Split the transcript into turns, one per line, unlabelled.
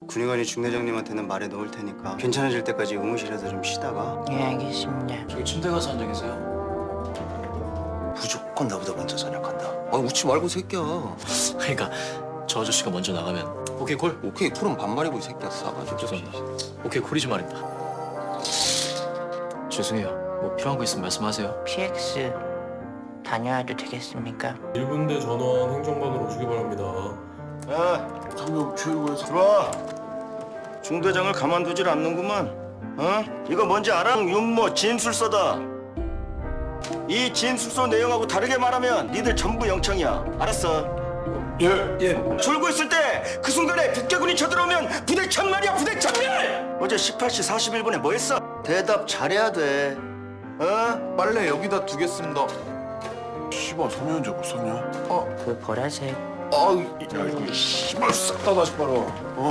군의관이 중대장님한테는 말해 놓을 테니까 괜찮아질 때까지 의무실에서 좀 쉬다가.
예, 알겠습니다.
저기 침대 가서 앉아 계세요.
무조건 나보다 먼저 전역한다. 아 웃지 말고 이 새끼야.
그러니까 저 아저씨가 먼저 나가면 오케이 콜?
오케이 쿨은 반말이고 이 새끼야 싸가지고.
죄송합니다. 오케이 콜이지 말입니다. 죄송해요. 뭐 필요한 거 있으면 말씀하세요.
PX 다녀와도 되겠습니까?
1분대 전원 행정반으로 오시기 바랍니다.
야
상병 최고에서
들어와. 중대장을 가만두질 않는구만. 어? 이거 뭔지 알아? 윤모 진술서다. 이 진술서 내용하고 다르게 말하면 니들 전부 영창이야. 알았어?
예.
졸고 있을 때 그 순간에 북괴군이 쳐들어오면 부대 천말이야 부대 천말! 어제 18시 41분에 뭐 했어? 대답 잘해야 돼. 어?
빨래 여기다 두겠습니다. 씨발 소년제 못 썼냐?
그 보라색.
아우 야 이거 씨발 싹 다 다시 빨아.